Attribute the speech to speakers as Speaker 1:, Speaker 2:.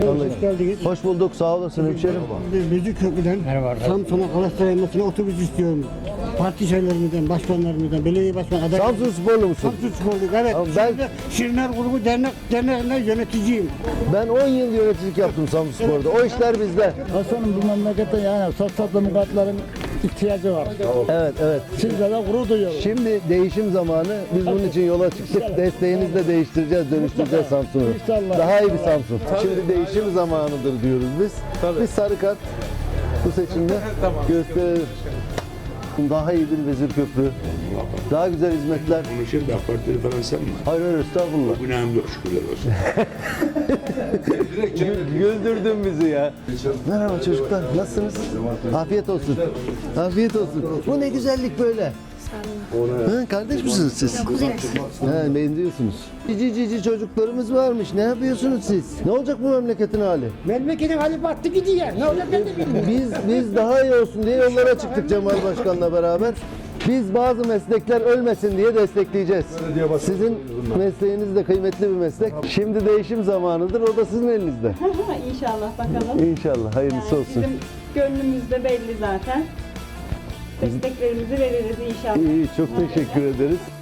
Speaker 1: Hoş geldiniz.
Speaker 2: Hoş bulduk, sağ olasın hemşerim.
Speaker 1: Müzikköprü'den Samsun'a Galatasaray maçına otobüs istiyorum. Parti şeylerimizden, başkanlarımızdan, belediye başkan adayı.
Speaker 2: Samsun sporlu musun?
Speaker 1: Samsun Spor'luyum, evet.
Speaker 2: Tamam, ben-
Speaker 1: Şimdi Şirinler Grubu derneğinde yöneticiyim.
Speaker 2: Ben 10 yıl yöneticilik yaptım Samsun Spor'da. O işler bizde.
Speaker 3: Hasan'ın bu memlekette yani sosyal demokratların ihtiyacı var.
Speaker 2: Evet, evet.
Speaker 3: Sizle de gurur duyuyoruz.
Speaker 2: Şimdi değişim zamanı. Biz bunun için yola çıktık. Desteğinizle değiştireceğiz, dönüştüreceğiz Samsun'u.
Speaker 3: İnşallah.
Speaker 2: Daha iyi bir Samsun. Şimdi değişim zamanıdır diyoruz biz. Biz sarı kart bu seçimde gösterelim. Daha iyi bir vezir köprü. Daha güzel hizmetler.
Speaker 4: Konuşayım da AK Parti'de falan sen mi?
Speaker 2: Hayır hayır estağfurullah.
Speaker 4: Günahım yok şükürler olsun.
Speaker 2: Güldürdün bizi ya. Merhaba çocuklar, nasılsınız? Afiyet olsun. Afiyet olsun. Bu ne güzellik böyle. Ha, kardeş misiniz siz? Ha, benziyorsunuz. Cici çocuklarımız varmış. Ne yapıyorsunuz siz? Ne olacak bu memleketin hali?
Speaker 1: Memleketin hali battı gidiyor. Ne olacak ben de bilmiyorum.
Speaker 2: Biz daha iyi olsun diye yollara çıktık Cemal Başkan'la beraber. Biz bazı meslekler ölmesin diye destekleyeceğiz. Sizin mesleğiniz de kıymetli bir meslek. Şimdi değişim zamanıdır. O da sizin elinizde.
Speaker 5: İnşallah bakalım.
Speaker 2: İnşallah hayırlısı olsun.
Speaker 5: Bizim gönlümüzde belli zaten. Desteklerimizi veririz inşallah.
Speaker 2: İyi, çok teşekkür ederiz.